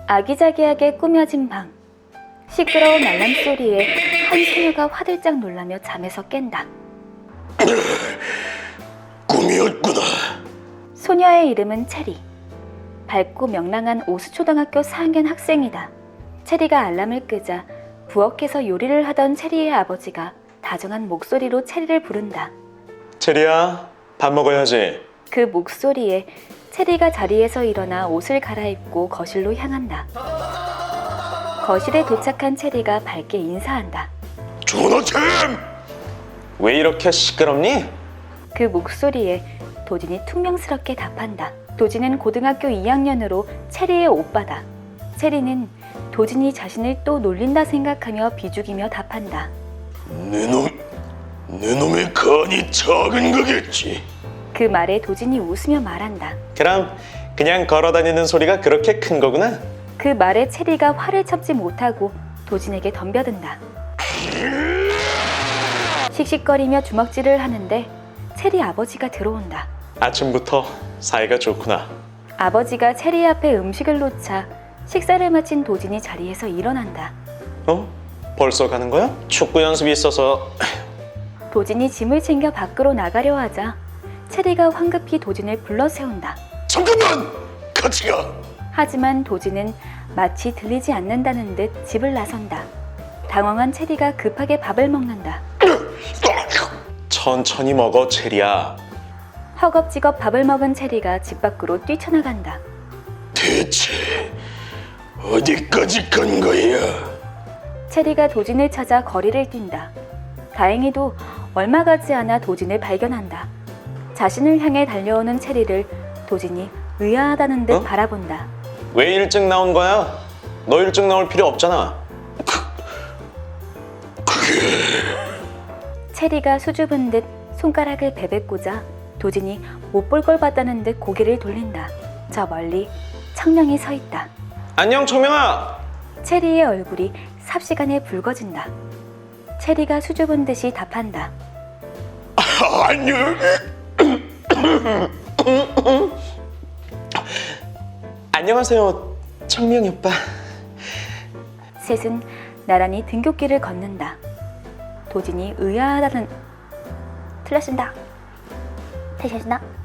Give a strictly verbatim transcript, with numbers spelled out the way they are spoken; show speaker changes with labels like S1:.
S1: 아기자기하게 꾸며진 방. 시끄러운 알람 소리에 한 소녀가 화들짝 놀라며 잠에서 깬다.
S2: 꿈이었구나.
S1: 소녀의 이름은 체리. 밝고 명랑한 오수초등학교 사 학년 학생이다. 체리가 알람을 끄자 부엌에서 요리를 하던 체리의 아버지가 다정한 목소리로 체리를 부른다.
S2: 체리야, 밥 먹어야지.
S1: 그 목소리에 체리가 자리에서 일어나 옷을 갈아입고 거실로 향한다. 거실에 도착한 체리가 밝게 인사한다.
S2: 조나템! 왜 이렇게 시끄럽니?
S1: 그 목소리에 도진이 퉁명스럽게 답한다. 도진은 고등학교 이 학년으로 체리의 오빠다. 체리는 도진이 자신을 또 놀린다 생각하며 비죽이며 답한다.
S2: 내 놈, 내 놈의 간이 작은 거겠지.
S1: 그 말에 도진이 웃으며 말한다.
S2: 그럼 그냥 걸어다니는 소리가 그렇게 큰 거구나?
S1: 그 말에 체리가 화를 참지 못하고 도진에게 덤벼든다. 씩씩거리며 주먹질을 하는데 체리 아버지가 들어온다.
S2: 아침부터 사이가 좋구나.
S1: 아버지가 체리 앞에 음식을 놓자 식사를 마친 도진이 자리에서 일어난다.
S2: 어? 벌써 가는 거야? 축구 연습이 있어서.
S1: 도진이 짐을 챙겨 밖으로 나가려 하자 체리가 황급히 도진을 불러 세운다.
S2: 잠깐만! 같이 가!
S1: 하지만 도진은 마치 들리지 않는다는 듯 집을 나선다. 당황한 체리가 급하게 밥을 먹는다.
S2: 천천히 먹어, 체리야.
S1: 허겁지겁 밥을 먹은 체리가 집 밖으로 뛰쳐나간다.
S2: 대체 어디까지 간 거야?
S1: 체리가 도진을 찾아 거리를 뛴다. 다행히도 얼마 가지 않아 도진을 발견한다. 자신을 향해 달려오는 체리를 도진이 의아하다는 듯
S2: 어?
S1: 바라본다.
S2: 왜 일찍 나온 거야? 너 일찍 나올 필요 없잖아.
S1: 체리가 수줍은 듯 손가락을 베베고자 도진이 못 볼 걸 봤다는 듯 고개를 돌린다. 저 멀리 청명이 서 있다.
S2: 안녕, 청명아.
S1: 체리의 얼굴이 삽시간에 붉어진다. 체리가 수줍은 듯이 답한다.
S2: 아, 안녕. 안녕하세요, 청명이 오빠.
S1: 셋은 나란히 등굣길을 걷는다. 도진이 의아하다는 틀렸습니다. 틀렸습니다.